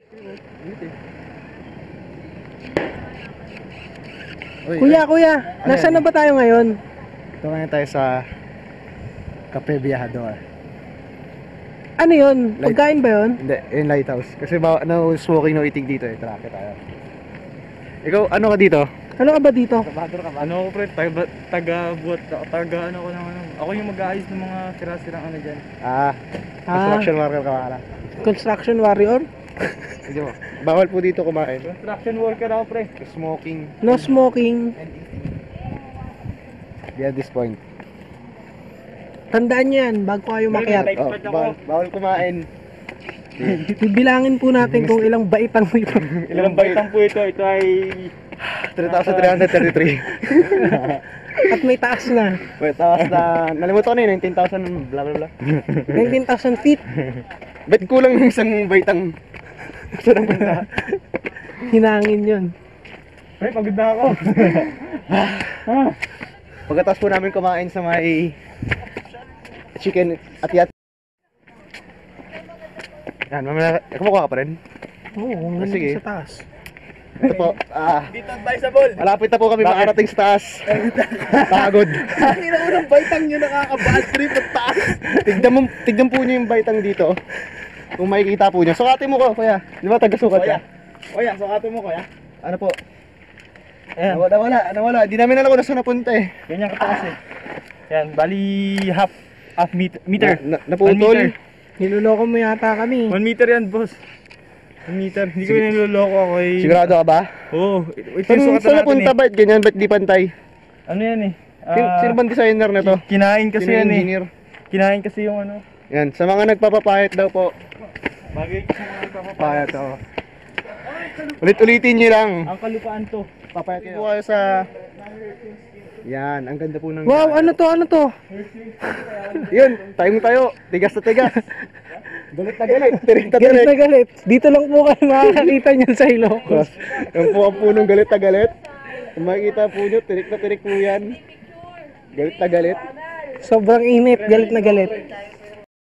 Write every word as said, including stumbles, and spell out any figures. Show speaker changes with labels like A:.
A: Uy,
B: Kuya,
A: ay,
B: kuya,
A: ano
B: nasaan
A: yan?
B: na ba tayo ngayon?
A: Ito ngayon tayo sa Cafe Viajador.
B: Ano yun?
A: Light-
B: Pagkain ba yun?
A: Hindi, yung lighthouse. Kasi ba, no smoking, no eating dito eh. Tara, tayo. Ikaw, ano ka dito?
B: Ano ka ba dito?
A: Trabador ka ba?
C: Ano ako pre, taga, taga buat, taga ano ko ng ano. Ako yung mag-aayos ng mga sira-sirang ano dyan.
A: Ah, construction worker ka pala.
B: Construction warrior?
A: Hindi mo. Bawal po dito kumain.
C: Construction worker ako pre.
A: Smoking.
B: No smoking.
A: Beyond this point.
B: Tandaan nyo yan, bago kayo makiat.
A: Oh, bawal, bawal kumain.
B: Bibilangin po natin kung ilang baitang mo ito.
C: Ilang baitang po ito, ito ay
A: three thousand three hundred thirty-three.
B: At may taas na.
A: Wait, tawas na, nalimutan ko na yun, nineteen thousand blah blah blah.
B: nineteen thousand feet.
A: Bet kulang ng isang baitang. Gusto ng banta.
B: Hinangin yun.
C: pre, pagod na ako.
A: Pagkatapos po namin kumain sa may chicken at yat. Yan, mamaya, kumukuha ka pa rin?
B: Oo, oh,
A: Ah, sige.
B: sa taas.
A: Ito po, ah,
C: Dito advisable.
A: malapit na po kami makarating sa taas. Pagod.
C: Ang ina unang baitang nyo nakaka-bad trip at taas.
A: Tignan mo, tignan po niyo yung baitang dito. Kung makikita po niyo. Sukatin mo ko, kuya. Di ba taga-sukat ka?
C: Kuya, sukatin mo kuya.
A: Ano po?
C: Ayan,
A: Nawala, nawala, nawala. Di namin alam kung nasa napunta eh.
C: ganyan kataas eh. Yan, bali half, half meter. meter.
A: Na, na, naputol.
C: One meter.
B: Niloloko mo yata kami.
C: One meter yan boss. One meter. Hindi ko niloloko ako eh.
A: Sigurado ka ba?
C: Oo, ito
A: Saan,
C: yung sukatan
A: saan
C: natin
A: napunta
C: eh.
A: ba? Ganyan, ba't di pantay?
C: Ano yan eh?
A: Sino,
C: Ah,
A: sino bang designer na to?
C: Kinain kasi
A: Sino yung
C: yan eh.
A: engineer?
C: Kinain kasi yung ano.
A: Yan, sa mga nagpapapayat daw po.
C: Bagay kasi mga nagpapapayat.
A: Payat, oh. Ulit-ulitin nyo lang.
C: Ang kalupaan to.
A: Papayat po kayo sa... Yan, ang ganda po ng...
B: Wow, ano to, ano to?
A: Yun, tayong tayo. Tigas na tigas. Galit na galit. Tirik na
B: Galit
A: tirik.
B: na galit. Dito lang po kayo makakakita niyan sa Ilocos.
A: Yan po ang punong galit na galit. Kung makikita po nyo, tirik na tirik po yan. Galit na galit.
B: Sobrang init, galit na galit.